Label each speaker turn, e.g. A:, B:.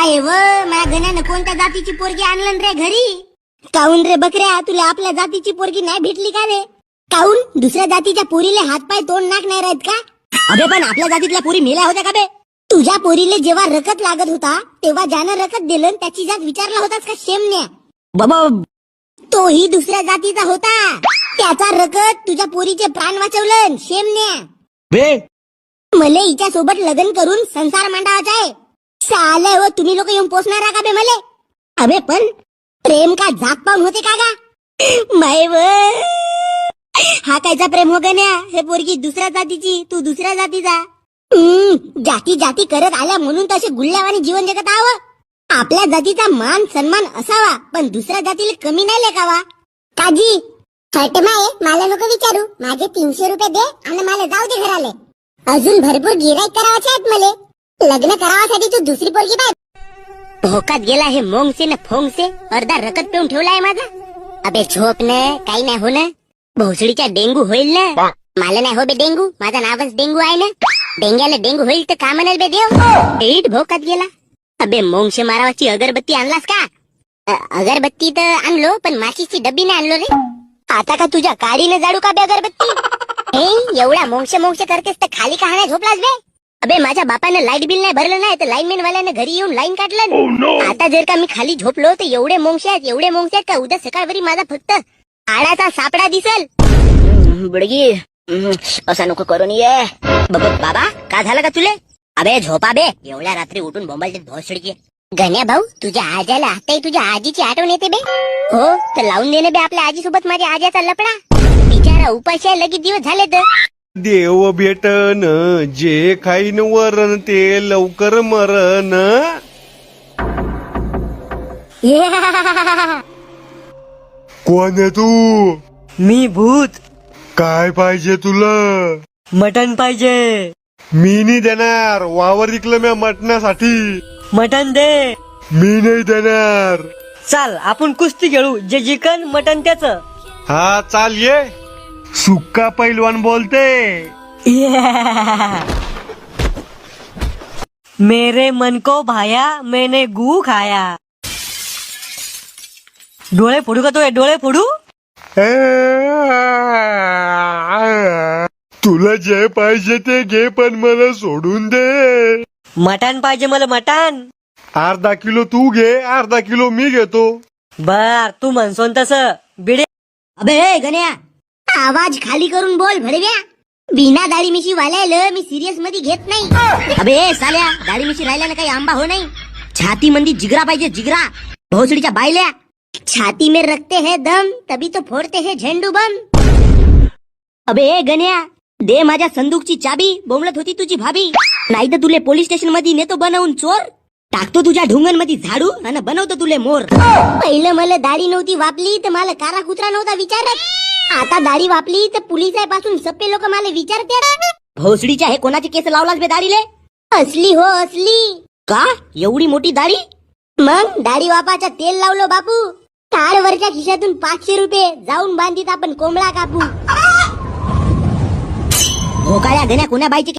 A: काय व माझ्या गण्यानं कोणत्या जातीची पोरगी आणलं रे घरी? काऊन रे बकऱ्या, तुला आपल्या जातीची पोरगी नाही भेटली का रे? काऊन दुसऱ्या जातीच्या पोरीले हातपाय तोंड नाक नाही राहत का? अबे पण आपल्या जातीतल्या पोरी मेल्या होत्या का बे? तुझ्या पोरीले जेव्हा रकत लागत होता तेव्हा ज्यानं रकत दिलं त्याची जात विचारला होतास का शेमण्या? बाबा तोही दुसऱ्या जातीचा होता, त्याचा रकत तुझ्या पोरीचे प्राण वाचवलं शेमण्या.
B: बे
A: मले हिच्या सोबत लग्न करून संसार मांडावाचा आहे. साले हो तुम्ही लोक येऊन पोचणार का बे मले? अबे पण प्रेम का जात पाहून होते का गा? माय व हा कायचा प्रेम हो गण्या? हे पोरगी दुसऱ्या जातीची, तू दुसऱ्या जातीचा. जाती जाती करत आल्या म्हणून तसे गुल्ल्यावानी जीवन जगत आव. आपल्या जातीचा मान सन्मान असावा पण दुसऱ्या जातीला कमी नाही लेखावा. काजी माये मला नको विचारू, माझे 300 रुपये दे आणि मला जाऊ दे घराले. अजून भरपूर गिराईक करावाचे आहेत मले. लग्न करावासाठी तू दुसरी पोरगी पाय. भोकात गेला हे मोंगसे न फोंगसे, अर्धा रकत पिऊन ठेवलाय माझा. अबे झोप न, काही नाही हो ना. भोसडीचा डेंगू होईल ना. मला नाही हो बे डेंगू, माझा नावच डेंगू आहे ना. डेंग्याला डेंगू होईल तर का म्हणाल बे देव? एट भोकात गेला. अबे मोंगशे मारावाची अगरबत्ती आणलास का? अगरबत्ती तर आणलो पण माशीची डब्बी नाही आणलो रे. आता का तुझ्या काडीने जाडू का बे अगरबत्ती? हे एवढा मोंगशे करतेस तर खाली का नाही झोपलास बे? अबे माझ्या बापानं लाईट बिल नाही भरलं नाही तर लाईनमॅन वाल्यानं घरी येऊन लाईन काढलं. आता जर का मी खाली झोपलो तर एवढे मोंगशे आहेत का उद्या सकाळवरी माझा फक्त आडाचा सापडा दिसल. बुडगी असा नको करून ये. बाबा का झालं का तुले? अबे झोपा बे, एवढ्या रात्री उठून बोंबालते भोसडकी. गण्या भाऊ तुझ्या आज्याला आताही तुझ्या आजीची आठवण येते बे? हो तर लावून देणे बे आपल्या आजी सोबत माझ्या आज्याचा लपडा. बिचारा उपाशी आहे, लगेच दिवस झाले तर.
B: देव भेटन जे खाईन वरण ते लवकर मरण. कोण आहे तू?
C: मी भूत.
B: काय पाहिजे तुला?
C: मटन पाहिजे.
B: मी नाही देणार, वावर विकलं मी मटणासाठी.
C: मटन दे.
B: मी नाही देणार.
C: चाल आपण कुस्ती खेळू, जे जिकन मटन त्याच.
B: हा चाल ये. सुक्का पैलवान बोलते.
C: मेरे मन को भाया मैंने गू खाया. डोळे फोडू का तो? डोळे फोडू?
B: तुला जे पाहिजे ते घे पण मला सोडून दे.
C: मटन पाहिजे मला, मटन.
B: अर्धा किलो तू घे, अर्धा किलो मी घेतो.
C: बर तू म्हणसोन तस. बिडे.
A: अबे गण्या आवाज खाली करून बोल भडव्या. बिना दाढी मिशी वाल्याला मी सिरियस मध्ये घेत नाही. अबे साल्या दाढी मिशी राहिल्याने काही आंबा हो नाही. छाती मंदी जिगरा पाहिजे, जिगरा. भोसडीच्या बायल्या छाती में रखते है दम तभी तो फोड़ते है झेंडू बम. अबे गण्या दे माझ्या संदूकची चाबी, बोंबलत होती तुझी भाभी. नाही तर तुले पोलीस स्टेशन मध्ये नेतो बनवून चोर. टाकतो तुझ्या ढुंगण मध्ये झाडू आणि बनवतो तुले मोर. पहिलं मला दाढी नव्हती वापली तर मला कारा कुत्रा नव्हता विचारत. आता दाढी वापली तर पोलिसापासून सप्पे लोक मला विचारते. भोसडीच्या हे कोणाचे केस लावलास बे दाढीले? असली हो असली. का एवढी मोठी दाढी? मग दाढी वापाचा तेल लावलो बापू. वरच्या खिशातून 500 रुपये जाऊन बांधीत आपण कोंबडा कापू. भोकाळ्या गण्या कोण्या बाईचे